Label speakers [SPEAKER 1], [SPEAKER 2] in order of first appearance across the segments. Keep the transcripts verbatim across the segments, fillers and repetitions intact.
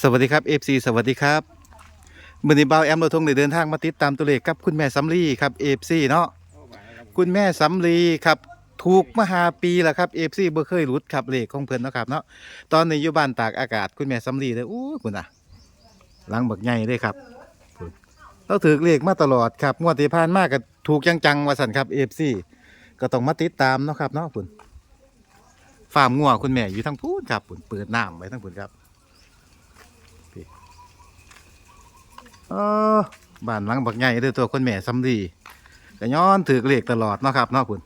[SPEAKER 1] สวัสดีครับ เอฟ ซี สวัสดีครับมื้อนี้บ่าวแอมเราทงได้เดินทางมาติดตามตัวเลขกับคุณแม่สำลีครับ เอฟ ซี เนาะคุณแม่สำลีครับถูกมาหาปีแล้วครับ เอฟ ซี บ่เคยหลุดครับเลขของเพิ่นเนาะครับเนาะตอนนี้อยู่บ้านตากอากาศคุณแม่สำลีเลยอู้คุณน่ะหลังบักใหญ่เลยครับพุ่นเราถือเลขมาตลอดครับงวดที่ผ่านมาก็ถูกจังๆว่าซั่นครับ เอฟ ซี ก็ต้องมาติดตามเนาะครับเนาะพุ่นฟาร์มงัวคุณแม่อยู่ทางพูนครับพุ่นเปิดน้ำไว้ทางพุ่นครับ เออบ้านหลังบักใหญ่เด้อตัวคนแม่สำลีก็ย้อนถือเลขตลอดเนาะครับเนาะคุณ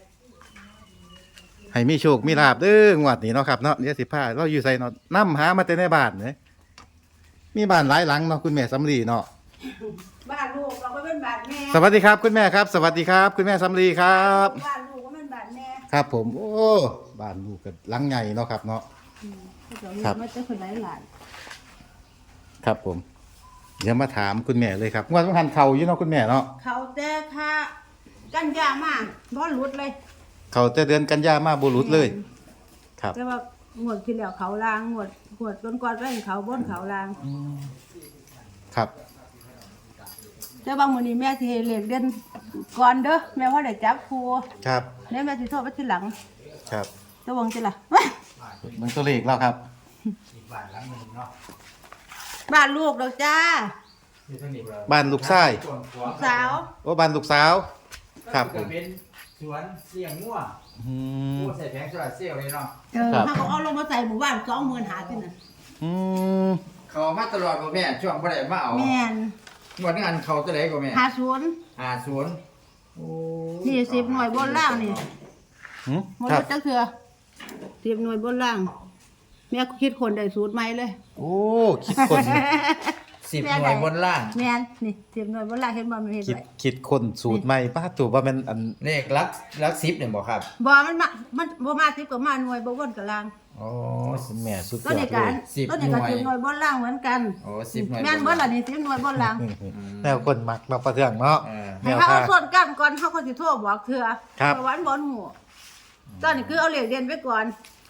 [SPEAKER 1] ให้มีโชคมีลาบเด้องวดนี้เนาะครับเนาะเดี๋ยวสิพาเราอยู่ใส่เนาะนำหามาแต่ในบ้านเด้มีบ้านหลายหลังเนาะคุณแม่สำลีเนาะ
[SPEAKER 2] บ้านลูกเราก็เป็นบ้านแม่
[SPEAKER 1] สวัสดีครับคุณแม่ครับ สวัสดีครับ คุณแม่สำลีครับ
[SPEAKER 2] บ้านลูกก็เป็นบ้านแม่
[SPEAKER 1] ครับผมโอ้บ้านลูกก็หลังใหญ่เนาะครับเนาะ
[SPEAKER 2] ครับไม่ใช่คนไหนหลาน
[SPEAKER 1] ครับผมเดี๋ยวมาถามคุณแม่เลยครับงวดสำคัญเขาอยู่เนาะคุณแม่เนาะ
[SPEAKER 2] เขาแต่ค่ะกันยามากบ่หลุดเลย
[SPEAKER 1] เขาแต่เดือนกันยามาบุรุษเลยครับ
[SPEAKER 2] แต่ว่าหมดที่แล้วเขาลางหมดหมดก้นก้อนก็เห็นเขาบนเขาลาง
[SPEAKER 1] ครับ
[SPEAKER 2] แต่บางมื้อนี้แม่สิให้เลขเด่นก่อนเด้อแม่ว่าได้จับครู
[SPEAKER 1] ครับ
[SPEAKER 2] แล้วแม่สิโทรไปทีหลัง
[SPEAKER 1] ครับ
[SPEAKER 2] ตะวงจิล่ะ
[SPEAKER 1] มันตัวเลขแล้วครับ
[SPEAKER 2] บ้านลูกดอกจ้า
[SPEAKER 1] บ้านลูกชาย
[SPEAKER 2] สาว
[SPEAKER 1] โอ้บ้านลูกสาวครับผม
[SPEAKER 3] เป็นสวนเสี่ยงงัว
[SPEAKER 1] อืม
[SPEAKER 3] งัวใส่แผงโซลาร์เซลล์เลยเนาะ
[SPEAKER 2] เออถ้าเขาเอาลงมาใส่หมู่บ้านสองหมื่นหาที่นั่น
[SPEAKER 1] อืม
[SPEAKER 3] เขามาตลอดบ่แม่ช่วงบ่ได้มาเอา
[SPEAKER 2] แม่น
[SPEAKER 3] งวดนั้นเขาจะได้ก็แม่
[SPEAKER 2] หาศูนย์
[SPEAKER 3] ห้าศูนย์โอ้
[SPEAKER 2] นี่สิบหน่วยบนล่างนี่
[SPEAKER 1] หืม
[SPEAKER 2] หมด
[SPEAKER 1] ครับ
[SPEAKER 2] จักเถื่อสิบหน่วยบนล่างแม่คิดคนได้สูตรใหม่เลย
[SPEAKER 1] โอ้คิดคน
[SPEAKER 3] สิบหน่วยบนล่าง
[SPEAKER 2] แม่นนี่สิบหน่วยบนล่างเห็นบ่มันเห็น
[SPEAKER 1] คิด
[SPEAKER 2] ไว้
[SPEAKER 1] คิดคนสูตรใหม่ป้าถูกว่ามันอัน
[SPEAKER 3] เลขลักลักสิบเนี่ยบ่ครับ
[SPEAKER 2] บ่มันมามันบ่มาสิบก็มาหน่วยบ่วนกับล่าง
[SPEAKER 3] โอ้
[SPEAKER 1] คุณแม่สุดย
[SPEAKER 2] ก็
[SPEAKER 1] อ
[SPEAKER 2] ใน
[SPEAKER 1] ดเล
[SPEAKER 2] การ
[SPEAKER 1] ย
[SPEAKER 3] สิบ
[SPEAKER 2] ก็ในการ
[SPEAKER 3] หน่วย
[SPEAKER 2] สิบหน่วยบนล่างเหมือนกัน
[SPEAKER 3] โอ้สิบหน่วย
[SPEAKER 2] แม่นเบิดล่ะนี่สิบหน่วยบนล่าง
[SPEAKER 1] แนวคนมักเนาะประเทืองเนาะ
[SPEAKER 3] เออ
[SPEAKER 1] แน
[SPEAKER 2] ให้
[SPEAKER 1] ว
[SPEAKER 2] เขา
[SPEAKER 1] ทา
[SPEAKER 2] เอา
[SPEAKER 1] ง
[SPEAKER 2] ส่วนกันก่อนเขาก็สิโทรบอกเถื่อ
[SPEAKER 1] ครับ
[SPEAKER 2] เพราะวาอันบ่ฮู้ตอนนี้คือเอาเลขเด่นไว้ก่อน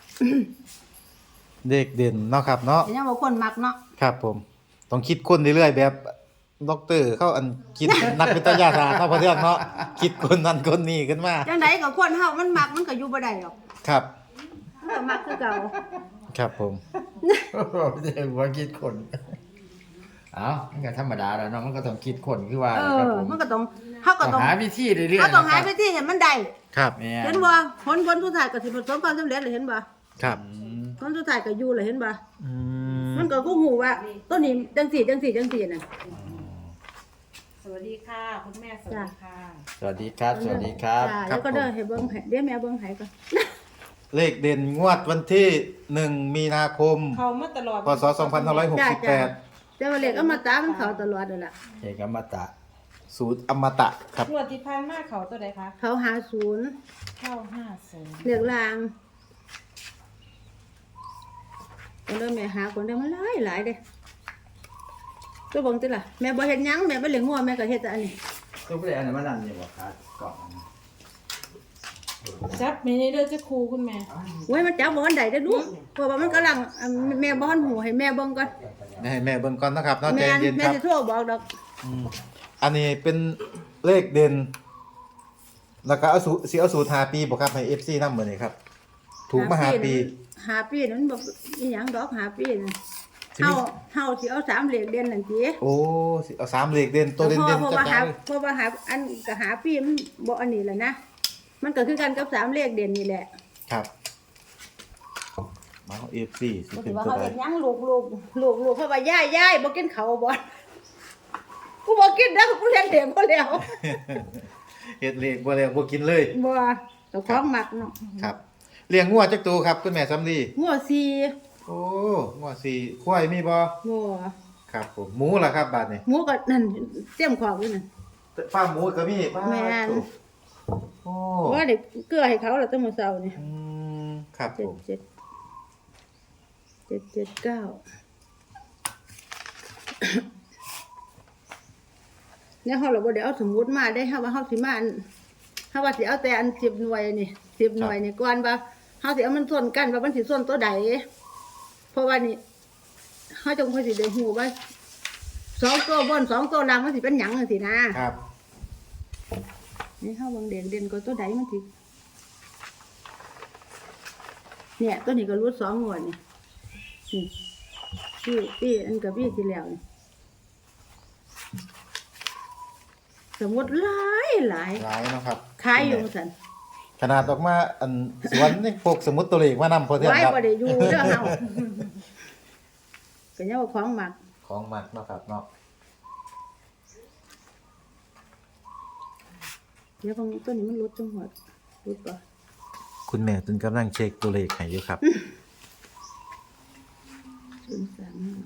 [SPEAKER 1] เด็กเด่นเนาะครับเนาะ
[SPEAKER 2] แต่ยังบ่คนมักเนาะ
[SPEAKER 1] ครับผมต้องคิดคนเรื่อยๆแบบด็อกเตอร์เขาอันคิด นักวิทยาศาสตร์เนาะประเทืองเนาะคิดคนนั้นคนนี้ขึ้นมา
[SPEAKER 2] จังไดก็คนเฮามันมักมันก็อยู่บ่ได้หรอก
[SPEAKER 1] ครับ
[SPEAKER 2] มันก็มักคือเก่า
[SPEAKER 1] ครับผม
[SPEAKER 3] เดี๋ยวว่าคิดคนเอ้ามันก็ธรรมดาแล้วเนาะมันก็ต้องคิดคนคือว่า
[SPEAKER 2] เอ
[SPEAKER 3] ครั
[SPEAKER 2] อบ
[SPEAKER 3] ผม
[SPEAKER 2] มันก็ต้องเฮาก็
[SPEAKER 3] ต้
[SPEAKER 2] ต้
[SPEAKER 3] อ
[SPEAKER 2] อง ง
[SPEAKER 3] หาวิธีเรื่อยๆ
[SPEAKER 2] เฮาต้องหา
[SPEAKER 3] นะครับ
[SPEAKER 2] วิธีให้มันได้
[SPEAKER 1] ครับ
[SPEAKER 3] แม่
[SPEAKER 2] เห็นบ่ผลผลสุดท้ายก็สิประสบความสำเร็จเลยเห็นบ่
[SPEAKER 1] ครับ
[SPEAKER 3] อืม
[SPEAKER 2] ผลสุดท้ายก็อยู่เลยเห็นบ่
[SPEAKER 1] อืม
[SPEAKER 2] มันก็กูฮู้ว่าต้นนี้จังสี่จังสี่จังสี่น่ะ
[SPEAKER 4] สวัสดีค่ะ คุณแม่สวัสดีค่ะ
[SPEAKER 3] สวัสดีครับ สวัสดีครับ
[SPEAKER 2] จ้าแล้วก็เด้อให้เบิ่งให้เดี๋ยวแม่เบิ่งให้ก่อน
[SPEAKER 1] เลขเด่นงวดวันที่หนึ่งมีนาคม
[SPEAKER 4] เขามาตลอด
[SPEAKER 1] พศสองพันห้าร้อยหกสิบแปด
[SPEAKER 2] แต่ว่าเลขเอามาตามเขาตลอดนั่นล่ะ
[SPEAKER 3] เอกอมตะ
[SPEAKER 1] สูตรอมตะครับ
[SPEAKER 4] งวดที่ผ่านมาเขาตัวใดคะ
[SPEAKER 2] เขาหาศูนย์
[SPEAKER 4] เข้าห้าศูนย์
[SPEAKER 2] เลขลางก็เลยแม่หาคนได้มาหลายหลายเด้ตัวเบิ่งติล่ะแม่บ่เฮ็ดหยังแม่บ่เลี้ยงงัวแม่ก็เฮ็ดแต่อันนี้
[SPEAKER 3] ทุกเรื่องอันนั้นมันนั่นนี่บ่ครับก่อน
[SPEAKER 4] จับเมนี่เด้อจะครูคุณแม่
[SPEAKER 2] โอ้ยมันจับบ่ทันได้เด้อลูกเพราะว่ามันกำลังอ่ะแม่บ่ทันหูให้แม่เบิ่งก่อน
[SPEAKER 1] ให้แม่เบิ่งก่อนนะครับเนาะใจ
[SPEAKER 2] แม่
[SPEAKER 1] เย็น
[SPEAKER 2] แม่
[SPEAKER 1] ครับ
[SPEAKER 2] สิโทรบอกดอก
[SPEAKER 1] อืมอันนี้เป็นเลขเด่นแล้วก็เอาสูสิเอาสูตรหาปีบ่ครับให้ เอฟ ซี นำมื้อนี้ครับ ถูกมาหาปี
[SPEAKER 2] หาปีนั้นบ่อีหยังดอกหาปีนั่น
[SPEAKER 1] สิมี
[SPEAKER 2] เฮาเฮาสิเอาสามเลขเด่นนั่นติ
[SPEAKER 1] โอ้สิเอาสามเลขเด่นตัวเด่น
[SPEAKER 2] เพราะ
[SPEAKER 1] ๆ
[SPEAKER 2] ว่า
[SPEAKER 1] จั
[SPEAKER 2] หา
[SPEAKER 1] ดๆเลย
[SPEAKER 2] เพราะว่าหาอันก็หาปีมันบ่อันนี้แหละนะมันก็คือกันกับสามเลขเด่นนี่แหละ
[SPEAKER 1] ครับมาเอา เอฟ ซี สิ
[SPEAKER 2] บ่
[SPEAKER 1] เป็
[SPEAKER 2] สิ
[SPEAKER 1] น
[SPEAKER 2] ว่า
[SPEAKER 1] ตัว
[SPEAKER 2] เขา
[SPEAKER 1] ใด
[SPEAKER 2] เฮ็ดหยังลูกลูกลูกลูกเขาว่ายายยายบ่กินข้าวบ่กูบ่กินเด้อกูเลี้ยงเด็กบ่แล้ว
[SPEAKER 1] เฮ็ดเลขบ่แล้วบ่กินเลย
[SPEAKER 2] บ่เจ้าของมักเนาะ
[SPEAKER 1] ครับเลี้ยงงัวจักตัวครับคุณแม่สำลี
[SPEAKER 2] หัวสี
[SPEAKER 1] โอ้งัวสี่ควายมีบ่
[SPEAKER 2] บ่
[SPEAKER 1] ครับผมหมูล่ะครับบาดนี้
[SPEAKER 2] หมูก็นั่นเตรียมของอยู่นั่น
[SPEAKER 1] ฟาร์มหมูก็มีป้า
[SPEAKER 2] แม่น
[SPEAKER 1] โอ้
[SPEAKER 2] ว่าได้เกลือให้เขาแล้วตั้งมื้อเช้านี่
[SPEAKER 1] อืมครับผม
[SPEAKER 2] เจ็ดเจ็ดเจ็ดเก้าเนี่ยเฮาเราบ่ได้เอาสมุดมาได้เฮาว่าเฮาสิมาอันเฮาว่าสิเอาแต่อันสิบหน่วยนี่สิบหน่วยนี่ก่อนว่าเฮาสิเอามันส่วนกันว่ามันสิส่วนตัวใดเพราะว่านี่เขาจงค่อยสิได้ฮู้ว่าสองตัวบนสองตัวล่างมันสิเป็นหยังจังซี่นะครับ นี่เฮาเบิ่งเด่นเด่นก็ตัวใดมันสิเนี่ยตัวนี้ก็รูดสองงวดนี่นี่พี่พี่อันกับพี่ที่แล้วนี่สมมุติหลายหลาย
[SPEAKER 1] หลายเนาะครับ
[SPEAKER 2] ขายอยู่ซั่น
[SPEAKER 1] ขนาดออกมาอันสวนนี่พวกสมุดตัวเลขมานำพอเทื่อน
[SPEAKER 2] ไว้
[SPEAKER 1] ครับ
[SPEAKER 2] บ่ได้อยู่เด้อเฮาก็ยังว่าของหมัก
[SPEAKER 1] ของมักเนาะครับเนาะ
[SPEAKER 2] เดี๋ยวบางตัวนี้มันรุดจังหวัดรุดบ่
[SPEAKER 1] คุณแม่ตุนกำลังเช็คตัวเลขให้อยู่ครับ
[SPEAKER 2] ศูนย์สามห้า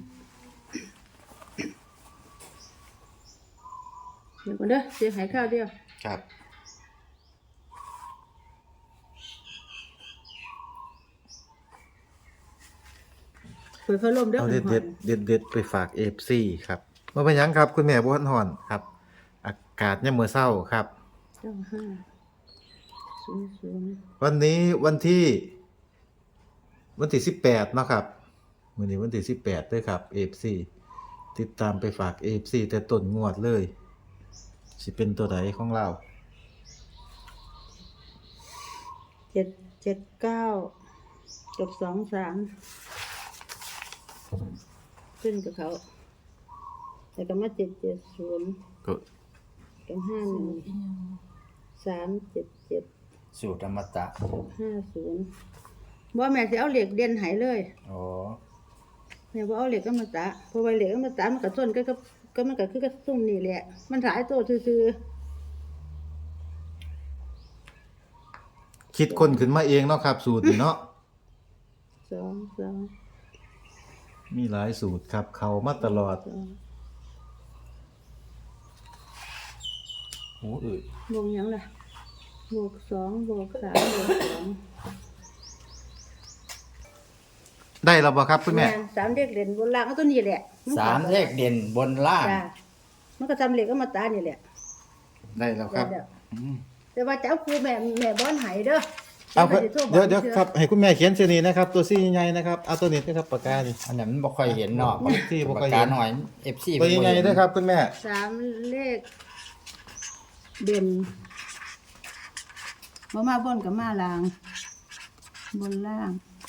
[SPEAKER 2] เดี๋ยวก่อนเด้อเสียหายข้าวเดียว
[SPEAKER 1] ครับ
[SPEAKER 2] เปิดพัดลมเด้อ
[SPEAKER 1] เอา
[SPEAKER 2] เปิ
[SPEAKER 1] เด็
[SPEAKER 2] ด
[SPEAKER 1] ด
[SPEAKER 2] ห
[SPEAKER 1] เด็ดเด็ดๆไปฝาก เอฟ ซี ครับบ่เป็นหยังครับ คุณแม่บ่ทันฮ้อนครับ อากาศยามมื้อเช้าครับ
[SPEAKER 2] เจ้าห้าศูนย์ศูนย์
[SPEAKER 1] วันนี้วันที่ วันที่สิบแปดเนาะครับมื้อนี้วันที่สิบแปดเด้อครับ เอฟ ซี ติดตามไปฝาก เอฟ ซี แต่ต้นงวดเลย สิเป็นตัวใดของเรา
[SPEAKER 2] เจ็ดเจ็ดเก้ากับสองสามขึ้นกับเขาแต่ก็มาเจ็ดเจ็ดศูนย์
[SPEAKER 1] ก็
[SPEAKER 2] กับห้าหนึ่งสามเจ็ดเจ็ด
[SPEAKER 3] สูตรอมตะ
[SPEAKER 2] ห้าศูนย์บ่แม่สิเอาเหล็กเด่นใหายเลย
[SPEAKER 3] โอ้
[SPEAKER 2] แม่บ่เอาเหล็กอมตะเพราะว่าเหล็กอมตะมันก็ส้นก็ก็ก็มันก็คือกับซุ่มนี่แหละมันหลายตัวซื่อ
[SPEAKER 1] คิดคนขึ้นมาเองเนาะครับ สูตรนี่เนาะ
[SPEAKER 2] ๆสองสอง
[SPEAKER 1] มีหลายสูตรครับ เข้ามาตลอด
[SPEAKER 2] สอง
[SPEAKER 3] หูอืด
[SPEAKER 2] บวกหยังล่ะบวกสองบวกสามบวกสอง
[SPEAKER 1] ได้แล้วบ่ครับคุณแม่
[SPEAKER 2] นสามเด็กเด่นบนล่างก็ตัวนี้แหละน
[SPEAKER 3] สามเลขเด่นบนล่าง
[SPEAKER 2] จ้ะมันก็ทำเหล็กอมตะนี่แหละ
[SPEAKER 1] ได้แล้วครับ
[SPEAKER 2] เดี๋ยวๆแต่ว่าเจ้าครูแม่แม่บ่อนให้เด้อ
[SPEAKER 1] เอาครับ
[SPEAKER 2] ดี๋
[SPEAKER 1] เดี๋ยวเดี๋ยว
[SPEAKER 2] ชื่อ
[SPEAKER 1] ครับให้คุณแม่เขียนเสนีนะครับ ตัวซี่ใหญ่ๆนะครับเอาตัวนี้นะครับปากกานี่
[SPEAKER 3] อันนั้นมันบ่ค่อยเห็นเนาะ
[SPEAKER 1] ที่บ่ค่
[SPEAKER 3] ปา
[SPEAKER 1] อย
[SPEAKER 3] ก
[SPEAKER 1] เห็
[SPEAKER 3] กาน หน่อย เอฟ ซี
[SPEAKER 1] ตัวใหญ่ๆนะครับ คุณแม่
[SPEAKER 2] สามเลขเด่นบ่มาบนกับมาล่าง บนล่าง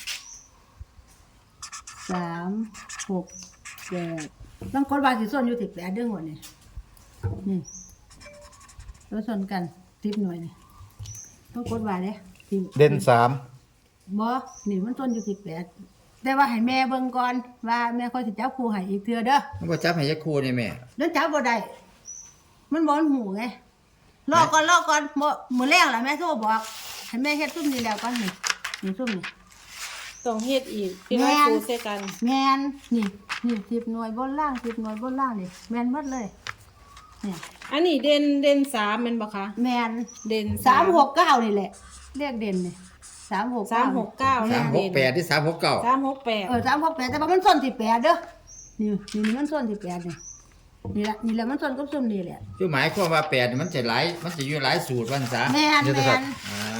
[SPEAKER 2] สามหกแปดต้องกดว่าสิส่วนอยู่ที่แปดเด้อหัวนี่นี่แล้วส่วนกันสิบหน่วยนี่ต้องกดว่าเด้ที่
[SPEAKER 1] เด่นสาม
[SPEAKER 2] บ่นี่มันส่วนอยู่ที่แปดแต่ว่าให้แม่เบิ่งก่อนว่าแม่ค่อยสิจับครูให้อีกเทื่อเด้อ
[SPEAKER 3] มันบ่จับให้ยักคู่นี่แม่
[SPEAKER 2] เดินจับบ่ได้มันบ่อนหูไงรอก่อนรอก่อนบ่มื้อแรกล่ะแม่โทรบอกให้แม่เฮ็ดซุ่มนี่แล้วก่อนนี่นี่ซุ่มนี่
[SPEAKER 4] ต้องเฮ็ดอีกพี่น้อง
[SPEAKER 2] แม่น
[SPEAKER 4] ครูเสกัน
[SPEAKER 2] แม่นนี่นี่สิบหน่วยบนล่างสิบหน่วยบนล่างนี่แม่นหมดเลยเนี่ย
[SPEAKER 4] อันนี้เด่นเด่นสามแม่นบ่คะ
[SPEAKER 2] แม่น
[SPEAKER 4] เด่น
[SPEAKER 2] สามหกเก้านี่แหละเลขเด่นนี่สามหก
[SPEAKER 4] สามหกเก้า
[SPEAKER 2] แม่
[SPEAKER 3] สาม
[SPEAKER 2] น
[SPEAKER 3] หกแปดที่สามหกเก้า
[SPEAKER 4] สามหกแปด
[SPEAKER 2] เออสามหกแปดแต่ว่ามันส้นที่แปดเด้อนี่นี่มันส้นที่แปดนี่นี่ละนี่แหละมันส้นกับซุ่มนี่แหละ
[SPEAKER 3] คือหมายความว่าแปดนี่มันจะหลายมันจะอยู่หลายสูตรวันซะ
[SPEAKER 2] แม่นแม่น
[SPEAKER 3] อ่า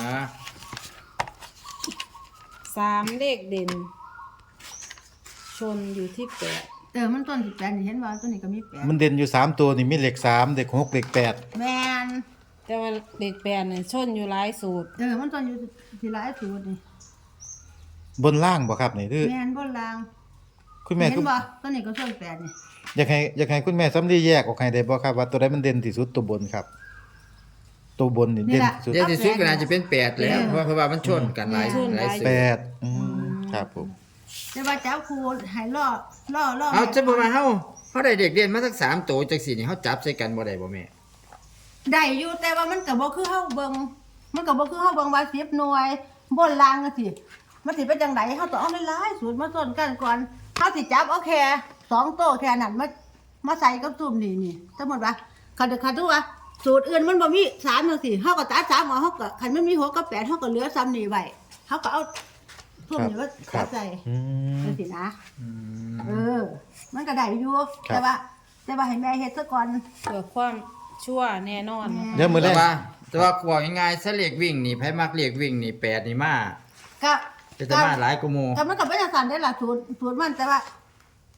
[SPEAKER 4] สามเลขเด่น ชนอยู่ที่แปด
[SPEAKER 2] เออมันส้นที่แปดนี่เห็นว่าตัวนี้ก็มีแปด
[SPEAKER 1] มันเด่นอยู่สามตัวนี่มีเลขสามเลขหกเลขแปด
[SPEAKER 2] แม่น
[SPEAKER 4] แต่ว่าเลขแปดเนี่ยชนอยู่หลายสูตร
[SPEAKER 2] เออมันส้นอยู่ที่หลายสูตรนี่
[SPEAKER 1] บนล่างบ่ครับนี่คือ
[SPEAKER 2] แม่นบนล่าง
[SPEAKER 1] คุณแม่
[SPEAKER 2] เห็
[SPEAKER 1] คุ
[SPEAKER 2] น
[SPEAKER 1] ณ
[SPEAKER 2] บ่ตัวนี้ก็ส้นแปดนี่
[SPEAKER 1] อยากให้อยากให้คุณแม่สำลีแยกออกให้ได้บ่ครับว่าตัวใดมันเด่นที่สุดตัวบนครับ ตัวบนนี่เด่นที่สุด
[SPEAKER 3] เดี๋ยวที่สุดก็น่าจะเป็นแปดแล้วเพราะว่าเพราะว่ามันชนกันหลายหลายสูต
[SPEAKER 1] แป
[SPEAKER 3] ร
[SPEAKER 1] ดอืมครับผม
[SPEAKER 2] แต่ว่าเจ้าครูให้ล่อล่อล่อ
[SPEAKER 3] เอาจะบอกว่าเฮาเฮาได้เด็กเรียนมาสักสามตัวจังสี่นี่เฮาจับใส่กันบ่ได้บ่แม่
[SPEAKER 2] ได้อยู่แต่ว่ามันก็บ่คือเฮาเบิ่งมันก็บ่คือเฮาเบิ่งว่าสิบหน่วยบนล่างจังซี่มันสิเป็นจังไดเฮาต้องเอาหลายๆสูตรมาส้นกันก่อนเฮาสิจับเอาแค่สองโต๊ะแค่นั้นมามาใส่กับซุ่มนี่นี่สมมุติว่าคันคันดูว่าสูตรอื่นมันบ่มีสามจังซี่เฮาก็ตัดสามออกเฮาก็คันมันมีหกกับแปดเฮาก็เหลือซ้ำนี่ไว้เฮาก็เอาซุ่มนี่มาจับใส่
[SPEAKER 1] อืม
[SPEAKER 2] จังซี่นะเออ มันก็ได้อยู่แต่ว่า แต่ว่าให้แม่เฮ็ดซะก่อน
[SPEAKER 4] เพื่อความชั่วแน่นอนนะคะ
[SPEAKER 1] เดี๋ยวมื้อแร
[SPEAKER 3] แต่
[SPEAKER 1] ก
[SPEAKER 3] ว่าแต่ว่าบอกง่ายๆถ้าเลขวิ่งนี่ไผมักเลขวิ่งนี่แปดนี่มา
[SPEAKER 2] ก็
[SPEAKER 3] จะจะมาหลายกว่าหมู่
[SPEAKER 2] ก็มันก็เป็นจังซั่นได้ล่ะสูตรสูตรมันแต่ว่า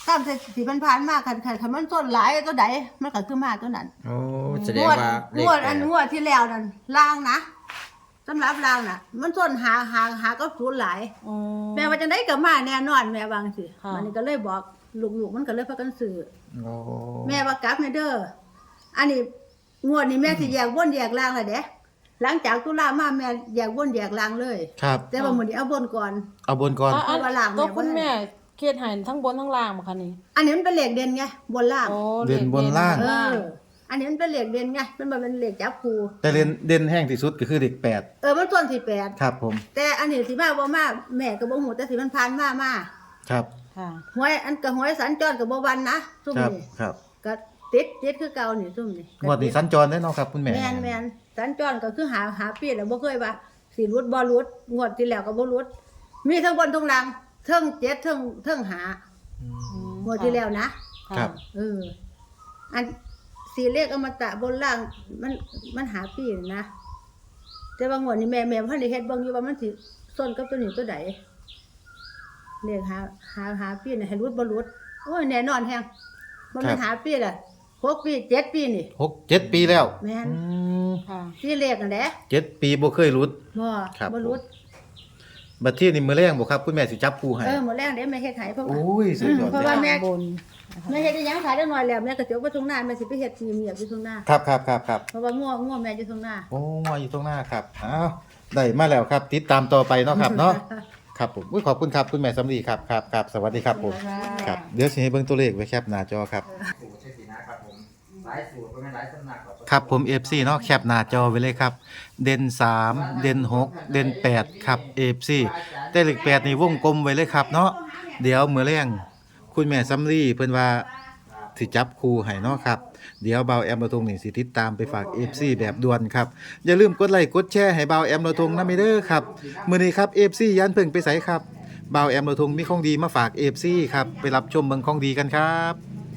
[SPEAKER 2] ตามสิมันผ่านมาคันคันคันมันส้นหลายตัวใดมันก็คือมาตัวนั้น
[SPEAKER 3] โอ้แสดง
[SPEAKER 2] งวด
[SPEAKER 3] ว่าเล
[SPEAKER 2] ง
[SPEAKER 3] ข
[SPEAKER 2] วด
[SPEAKER 3] แป
[SPEAKER 2] อั
[SPEAKER 3] ด
[SPEAKER 2] นงวดที่แล้วนั่นล่างนะสำหรับล่างน่ะ มันส้นหาหาหาก็ศูนย์หลาย
[SPEAKER 4] อ๋อ
[SPEAKER 2] แม่ว่าจังได๋ก็มาแน่นอนแม่วาจังสิ
[SPEAKER 4] ค่ะ
[SPEAKER 2] มันนี่ก็เลยบอกลูกๆมันก็เลยพากันซื้อ
[SPEAKER 3] โอ้
[SPEAKER 2] แม่ว่ากลับแม่เด้ออันนี้งวดนี้แม่สิแยกบนแยกล่างแล้วเด้หลังจากตุลามาแม่แยกบนแยกล่างเลย
[SPEAKER 1] ครับ
[SPEAKER 2] แต่ว่ามื้อนี้เอาบนก่อน
[SPEAKER 1] เอาบนก่อน
[SPEAKER 4] อ่ะ
[SPEAKER 2] เพราะว่าล่าง
[SPEAKER 4] ตัว
[SPEAKER 2] แม่
[SPEAKER 4] คุณ
[SPEAKER 2] บ่ได้
[SPEAKER 4] แม่เครียดใหายทั้งบนทั้งล่างบ่คะนี่
[SPEAKER 2] อันนี้มันเป็นเหล็กเด่นไงบนล่าง
[SPEAKER 4] โอ้
[SPEAKER 1] เด่นบนล่าง
[SPEAKER 2] เอ
[SPEAKER 4] ล่าง
[SPEAKER 2] อ อันนี้มันเป็นเหล็กเด่นไงมันบ่เป็นเหล็กจับคู
[SPEAKER 1] แต่เด่นเด่นแห้งที่สุดก็คือเด็กแปด
[SPEAKER 2] เออมันต้นที่แปด
[SPEAKER 1] ครับผม
[SPEAKER 2] แต่อันนี้สิมาบ่มาแม่ก็บ่ฮู้แต่สิมันผ่านมามา
[SPEAKER 1] ครับ
[SPEAKER 4] ค่ะ
[SPEAKER 2] หวยอันก็หวยสัญจรก็บ่วันนะซุ่ม
[SPEAKER 1] ครับ
[SPEAKER 2] นี่
[SPEAKER 1] ครับ
[SPEAKER 2] ก็ติดติดคือเก่านี่ซุ่มนี่
[SPEAKER 1] งวดนี้สัญจรได้เนาะครับคุณแม่
[SPEAKER 2] แม่นแม่นสัญจรก็คือหาหาปีแล้วบ่เคยว่าสิรุดบ่รุดงวดที่แล้วก็บ่รุดมีทั้งบนทั้งล่างเทิงเจ็ดเทิงเทิงหา
[SPEAKER 1] อืม
[SPEAKER 2] งวดที่แล้วนะ
[SPEAKER 1] ครับ
[SPEAKER 2] เออ อันสีเลขอมตะบนล่างมันมันหาปีนะแต่ว่างวดนี้แม่แม่พันได้เฮ็ดเบิ่งอยู่ว่ามันสิส้นกับตัวนี้ตัวใดเลขหาหาหาปีน่ะให้รุดบ่รุดโอ้ยแน่นอนแฮงบ่แม่นหาปีล่ะหกปีเจ็ดปีนี่
[SPEAKER 1] หกเจ็ดปีแล้ว
[SPEAKER 2] แม่น
[SPEAKER 1] อืม
[SPEAKER 4] ค่ะ
[SPEAKER 2] ที่เลขนั่นแหละ
[SPEAKER 1] เจ็ดปีบ่เคยรุด
[SPEAKER 2] บ่
[SPEAKER 1] ครับ
[SPEAKER 2] บ่รุด
[SPEAKER 1] บัดที่นี่มื้อแรงบ่ครับคุณแม่สิจับคู่ให้
[SPEAKER 2] เออหมดแรงเด้แม่เฮ็ดให้เพราะว่า
[SPEAKER 1] โอ้ยสุดยอด
[SPEAKER 2] เพราะ
[SPEAKER 1] เลย
[SPEAKER 2] ว่าแม่
[SPEAKER 4] บน
[SPEAKER 2] แม่เฮ็ดอีหยังขายได้หน่อยแล้วแม่ก็สิเอาไปทุ่งนาแม่สิไปเฮ็ดทีเมียอยู่ทุ่งนา
[SPEAKER 1] ครับครับครับครับ
[SPEAKER 2] เพราะว่าง่วงง่วงแม่อยู่ทุ่งนา
[SPEAKER 1] โอ้มาอยู่ตรงหน้าครับอ้าวได้มาแล้วครับ ติดตามต่อไปเนาะครับเนาะครับผมอุ๊ยขอบคุณครับคุณแม่สำลีครับครับครับสวัสดีครับผมครับเดี๋ยวสิให้เบิ่งตัวเลขไว้แคปหน้าจอครับ
[SPEAKER 3] สูตรใช่สินะครับผมหลายสูตรก็ไม่หลายสำนักหรอก
[SPEAKER 1] ครับผม เอฟ ซี เนาะแคปหน้าจอไว้เลยครับ เด่นสามเด่นหกเด่นแปดครับ เอฟ ซี แต่เลขแปดนี่วงกลมไว้เลยครับเนาะเดี๋ยวมื้อแรงคุณแม่สำลีเพิ่นว่าสิจับคู่ให้เนาะครับเดี๋ยวเบาแอมเราทงนี่สิติดตามไปฝาก เอฟ ซี แบบด่วนครับอย่าลืมกดไลค์กดแชร์ให้เบาแอมเราทงนำเด้อครับมื้อนี้ครับ เอฟ ซี ยันเพิ่งไปไสครับเบาแอมเราทงมีของดีมาฝาก เอฟ ซี ครับไปรับชมเบิ่งของดีกันครับ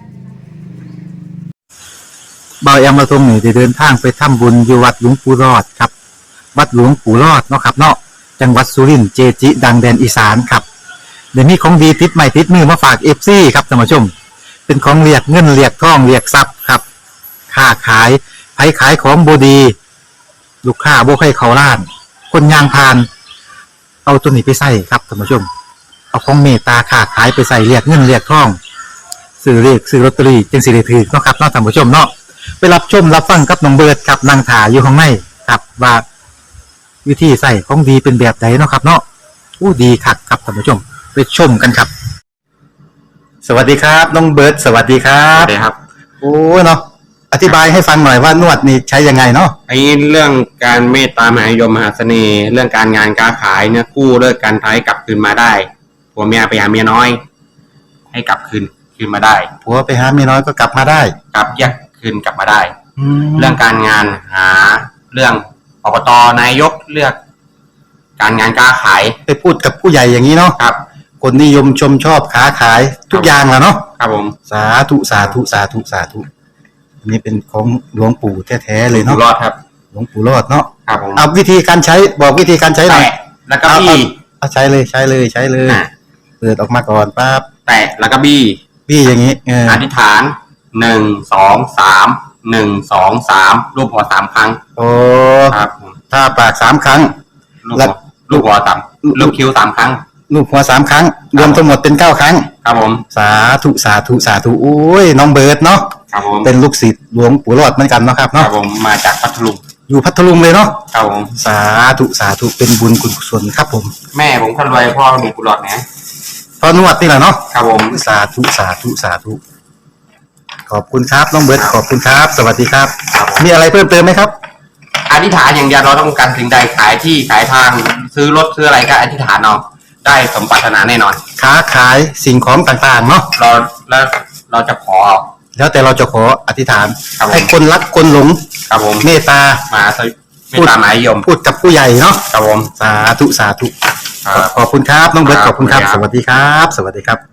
[SPEAKER 1] เบาแอมเราทงนี่ได้เดินทางไปทำบุญอยู่วัดหลวงปู่รอดครับวัดหลวงปู่รอดเนาะครับเนาะจังหวัดสุรินทร์เจจิ ดังแดนอีสานครับเดี๋ยวนี้ของดีติดใหม่ติดมือมาฝาก เอฟ ซี ครับท่านผู้ชมเป็นของเรียกเงินเรียกทองเรียกทรัพย์ครับค้าขายไผขายของบดี ลูกค้าบ่ให้เขาล้าน คนยางพาน เอาตัวนี้ไปใส่ครับท่านผู้ชม เอาของเมตตาค้าขายไปใส่เรียกเงินเรียกทองซื้อเรียกซื้อลอตเตอรี่จึงสิได้ถือเนาะครับเนาะท่านผู้ชมเนาะไปรับชมรับฟังกับน้องเบิร์ดครับนางถาอยู่ข้างในครับว่าวิธีใส่ของดีเป็นแบบไหนเนาะครับเนาะอู้ดีคักครับท่านผู้ชมไปชมกันครับ สวัสดีครับน้องเบิร์ดสวัสดีครั
[SPEAKER 5] ครับ บครับ
[SPEAKER 1] โอ้เนาะอธิบายให้ฟังหน่อยว่านวดนี่ใช้ยังไงเนาะ
[SPEAKER 5] ไอ้เรื่องการเมตตามหานิยมมหาเสน่ห์ เรื่องการงานการขายเนี่ยกู้เลิกการท้ายกลับคืนมาได้ผัวเมียไปหาเมียน้อย ให้กลับคืนคืนมาได้
[SPEAKER 1] ผัวไปหาเมียน้อยก็กลับมาได้
[SPEAKER 5] กลับแยกคืนกลับมาได้
[SPEAKER 1] แล้
[SPEAKER 5] เรื่
[SPEAKER 1] ว
[SPEAKER 5] องการงานหาเรื่องอบตนายกเลือก การงานการขาย
[SPEAKER 1] ไปพูดกับผู้ใหญ่อย่างนี้เนาะ
[SPEAKER 5] ครับ
[SPEAKER 1] คนนิยมชมชอบค้าขายทุกอย่างแหล้วเนาะ
[SPEAKER 5] ครับผม
[SPEAKER 1] สาธุสาธุสาธุสาธุอันนี้เป็นของหลวงปู่แท้ๆเลย
[SPEAKER 5] อยู่
[SPEAKER 1] เนาะ
[SPEAKER 5] รอดครับ
[SPEAKER 1] หลวงปู่รอดเนาะ
[SPEAKER 5] ครับผม
[SPEAKER 1] เอาวิธีการใช้บอกวิธีการใช้หน่อย
[SPEAKER 5] แตะแล้วก็บี้
[SPEAKER 1] เอาใช้เลยใช้เลยใช้เลย
[SPEAKER 5] อ่ะ
[SPEAKER 1] เปิดออกมาก่อนปั๊บ
[SPEAKER 5] แตะแล้วก็บี้
[SPEAKER 1] พี่อย่างนี้เออ
[SPEAKER 5] อธิษฐานหนึ่งสองสามหนึ่งสองสามรูปหัวสามครั้ง
[SPEAKER 1] โอ้
[SPEAKER 5] ครับผม
[SPEAKER 1] ถ้าปากสามครั้ง
[SPEAKER 5] ลูก
[SPEAKER 1] แล้
[SPEAKER 5] หั
[SPEAKER 1] ว
[SPEAKER 5] วลูกหัวสามลูกคิ้วสามครั้ง
[SPEAKER 1] ลูกหัวสามครั้ง รวมทั้งหมดเป็นเก้าครั้ง
[SPEAKER 5] ครับผม
[SPEAKER 1] สาธุสาธุสาธุโอ้ยน้องเบิร์ดเนาะ
[SPEAKER 5] ครับผม
[SPEAKER 1] เป็นลูกศิษย์หลวงปู่รอดเหมือนกันเนาะครับ
[SPEAKER 5] ครั
[SPEAKER 1] เนาะ
[SPEAKER 5] บผมมาจากพัทลุง
[SPEAKER 1] อยู่พัทลุงเลยเนาะ
[SPEAKER 5] ครับผม
[SPEAKER 1] สาธุสาธุเป็นบุญคุณกุศลครับผม
[SPEAKER 5] แม่ผมคนรวยพ่อมีกุหลาบนะ
[SPEAKER 1] พอนวดนี่แหละเนาะ
[SPEAKER 5] ครับผม
[SPEAKER 1] สาธุสาธุสาธุขอบคุณครับน้องเบิร์ดขอบคุณครับ สวัสดีครับ
[SPEAKER 5] ครับผม
[SPEAKER 1] มีอะไรเพิ่มเติมไหมครับ
[SPEAKER 5] อธิษฐานอย่างเดียวเราต้องการสิ่งใดขายที่ขายทางซื้อรถซื้ออะไรก็อธิษฐานเอาได้สมปรารถนาแน่นอน
[SPEAKER 1] ค้าขายสิ่งของต่างๆเนาะ
[SPEAKER 5] เราแล้วเราจะขอ
[SPEAKER 1] แล้วแต่เราจะขออธิษฐาน
[SPEAKER 5] ครับผม
[SPEAKER 1] ให้คนรักคนหลง
[SPEAKER 5] ครับผม
[SPEAKER 1] เมตตา
[SPEAKER 5] มาสวิไม่ตามหมายยม
[SPEAKER 1] พูดกับผู้ใหญ่เนาะ
[SPEAKER 5] ครับผม
[SPEAKER 1] สาธุสาธุ
[SPEAKER 5] ครับ
[SPEAKER 1] ขอบคุณครับน้องเบิร์ต
[SPEAKER 5] ค
[SPEAKER 1] ข
[SPEAKER 5] รับ
[SPEAKER 1] อบคุณครับ
[SPEAKER 5] ขอบ
[SPEAKER 1] ส
[SPEAKER 5] คุณครับ
[SPEAKER 1] วัสดีครับ สวัสดีครับ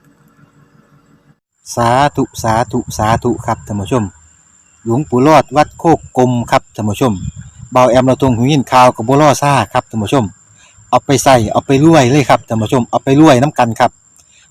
[SPEAKER 1] สาธุสาธุสาธุครับท่านผู้ชม หลวงปู่รอดวัดโคกกลมครับท่านผู้ชมเบาแอมเราตรงหูยินข่าวกับบัวล่อซ่าครับท่านผู้ชม เอาไปใส่เอาไปรวยเลยครับท่านผู้ชมเอาไปรวยน้ำกันครับ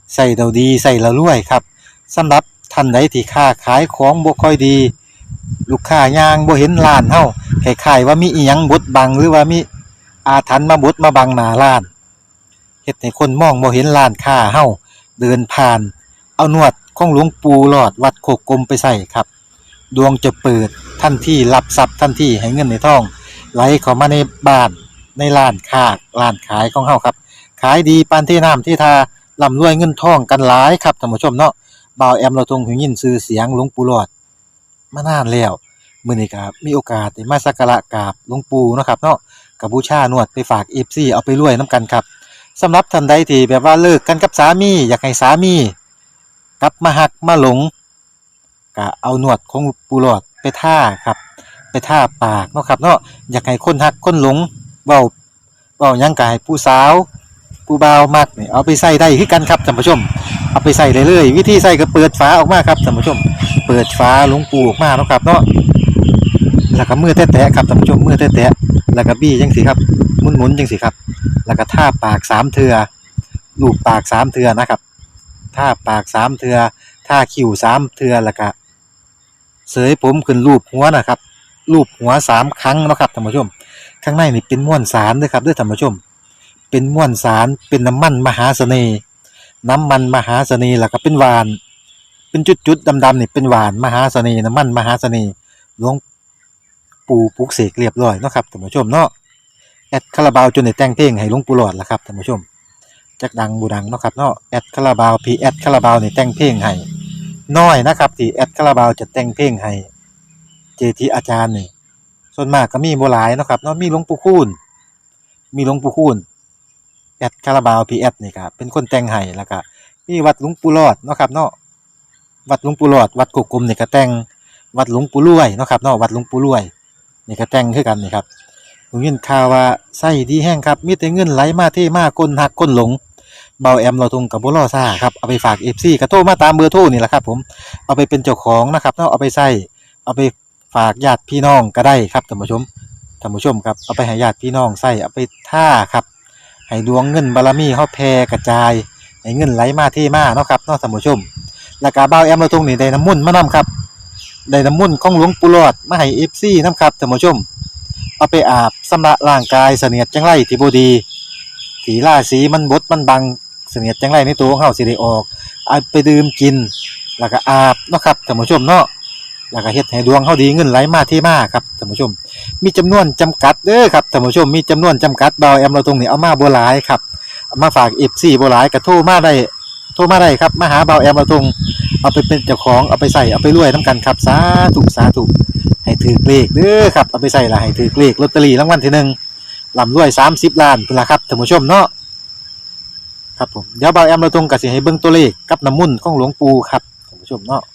[SPEAKER 1] ใส่เราดีใส่เรารวยครับสำหรับท่านใดที่ค้าขายของบ่ค่อยดี ลูกค้ายางบ่เห็นร้านเฮาคล้ายๆว่ามีอีหยังบดบังหรือว่ามีอาถรรพ์มาบดมาบังหน้าร้านเฮ็ดให้คนมองบ่เห็นร้านค้าเฮาเดินผ่านเอานวดของหลวงปู่หลอดวัดโคกกลมไปใส่ครับดวงจะเปิดทันทีรับทรัพย์ทันทีให้เงินในท้องไหลเข้ามาในบ้านในร้านค้าร้านขายของเฮาครับขายดีปานที่น้ำที่ทาร่ำรวยเงินทองกันหลายครับท่านผู้ชมเนาะบ่าวแอมเราทรงหูยินชื่อเสียงหลวงปู่หลอดมานานแล้วมื้อนี้ก็มีโอกาสได้มาสักการะกราบหลวงปู่เนาะครับเนาะก็บูชานวดไปฝาก เอฟ ซี เอาไปรวยนํกันครับสำหรับท่านใดที่แบบว่าเลิกกันกับสามีอยากให้สามีกลับมาหักมาหลงก็เอานวดของปู่หลอดไปท่าครับไปท่าปากเนาะครับเนาะอยากให้คนหักคนหลงเว้าเว้าหยังก็ให้ผู้สาวผู้บ่าวมักนี่เอาไปใส่ได้คือกันครับท่านผู้ชมเอาไปใส่ได้เลยวิธีใส่ก็เปิดฝาออกมาครับท่านผู้ชมเปิดฝาหลวงปู่ออกมาเนาะครับเนาะแล้วก็มือแตะๆครับท่านผู้ชมมือแตะๆแล้วก็บี้จังซี่ครับหมุนๆจังซี่ครับแล้วก็ท่าปากสามเทื่อลูบปากสามเทื่อนะครับท่าปากสามเทื่อท่าคิ้วสามเทื่อแล้วก็เสยผมขึ้นรูปหัวนะครับรูปหัวสามครั้งเนาะครับท่านผู้ชมข้างในนี่เป็นม้วนสารเด้อครับเด้อท่านผู้ชมเป็นม้วนสารเป็นน้ำมันมหาเสน่ห์น้ำมันมหาเสน่ห์แล้วก็เป็นหวานเป็นจุดๆดำๆนี่เป็นหวานมหาเสน่ห์น้ำมันมหาเสน่ห์หลวงปู่ปลุกเสกเรียบร้อยเนาะครับท่านผู้ชมเนาะแอดคาราบาวจนได้แต่งเพลงให้หลวงปู่หลอดล่ะครับท่านผู้ชมจักดังบูดังเนาะครับเนาะแอดคาราบาวพีแอดคาราบาวนี่แต่งเพลงให้น้อยนะครับที่แอดคาราบาวจะแต่งเพลงให้เจทีอาจารย์นี่ส่วนมากก็มีบ่หลายเนาะครับเนาะมีหลวงปู่คูณมีหลวงปู่คูณแอดคาราบาวพีแอดนี่ครับเป็นคนแต่งให้แล้วก็มีวัดหลวงปู่หลอดเนาะครับเนาะวัดหลวงปู่หลอดวัดกุกกลมนี่ก็แต่งวัดหลวงปู่รวยเนาะครับเนาะวัดหลวงปู่รวยนี่ก็แต่งคือกันนี่ครับผมยินข่าวว่าไส้ดีแห้งครับมีแต่เงินไหลมาเทมาคนหักคนหลงเบาแอมเราทงกับบ่รอซ่าครับเอาไปฝาก เอฟ ซี ก็โทรมาตามเบอร์โทรนี่แหละครับผมเอาไปเป็นเจ้าของนะครับเนาะเอาไปใส่เอาไปฝากญาติพี่น้องก็ได้ครับท่านผู้ชมท่านผู้ชมครับเอาไปให้ญาติพี่น้องใส่เอาไปท่าครับให้ดวงเงินบารมีเฮาแผ่กระจายให้เงินไหลมาเทมาเนาะครับเนาะท่านผู้ชมแล้วก็เบาแอมเราทงนี่ได้น้ำมนต์มานํครับได้น้ำมนต์ของหลวงปู่หลอดมาให้ เอฟ ซี นํครับท่านผู้ชมเอาไปอาบชำระร่างกายเสนียดจังไรที่บ่ดีสีราศีมันบดมันบังเสนียดจังไรในตัวของเฮาสิได้ออกเอาไปดื่มกินแล้วก็อาบเนาะครับท่านผู้ชมเนาะแล้วก็เฮ็ดให้ดวงเฮาดีเงินไหลมาเทมาครับท่านผู้ชมมีจำนวนจำกัดเด้อครับท่านผู้ชมมีจำนวนจำกัดเบาแอมเราตรงนี้เอามาบ่หลายครับเอามาฝาก เอฟ ซี บ่หลายก็โทรมาได้โทรมาได้ครับมาหาเบาแอมเราตรงเอาไปเป็นเจ้าของเอาไปใส่เอาไปรวยนํกันครับสาธุสาธุให้ถือเลขเด้อครับเอาไปใส่ละให้ถือเลขลอตเตอรี่รางวัลที่หนึ่งร่ำรวยสามสิบล้านพุ่นล่ะครับท่านผู้ชมเนาะครับผมเดี๋ยวเบาแอมเราตรงก็สิให้เบิ่งตัวเลขกับน้ำมนต์ของหลวงปู่ครับท่านผู้ชมเนาะ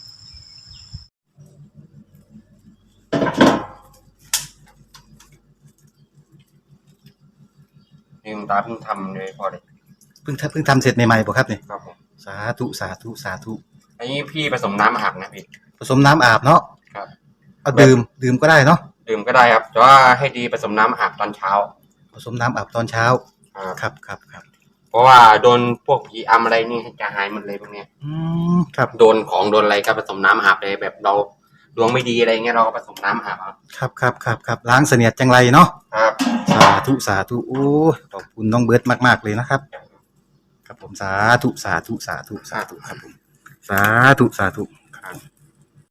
[SPEAKER 5] นี่คุณตาเพิ่งทำเลยพอเลย
[SPEAKER 1] เพิ่งทำเพิ่งทำเสร็จใหม่ๆบ่ครับนี่
[SPEAKER 5] ครับผม
[SPEAKER 1] สาธุสาธุสาธุ
[SPEAKER 5] อันนี้พี่ผสมน้ำอาบนะพี่
[SPEAKER 1] ผสมน้ำอาบเนาะ
[SPEAKER 5] ครับ
[SPEAKER 1] เอาดื่มดื่มก็ได้เนาะ
[SPEAKER 5] ดื่มก็ได้ครับแต่ว่าให้ดีผสมน้ำอาบตอนเช้า
[SPEAKER 1] ผสมน้ำอาบตอนเช้า
[SPEAKER 5] ครับ
[SPEAKER 1] ครับครับครับ
[SPEAKER 5] เพราะว่าโดนพวกผีอำอะไรนี่จะหายหมดเลยพวกเนี้ย
[SPEAKER 1] อืมครับ
[SPEAKER 5] โดนของโดนอะไรก็ผสมน้ำอาบเลยแบบเราดวงไม่ดีอะไรเงี้ยเราก็ผสมน้ำอาบเอา
[SPEAKER 1] ครับครับครับครับล้างเสนียดจังไรเนาะ
[SPEAKER 5] ครับ
[SPEAKER 1] สาธุสาธุโอ้ยขอบคุณน้องเบิร์ดมากๆเลยนะครับครับผมสาธุสาธุสาธุสาธุครับผมสาธุสาธุ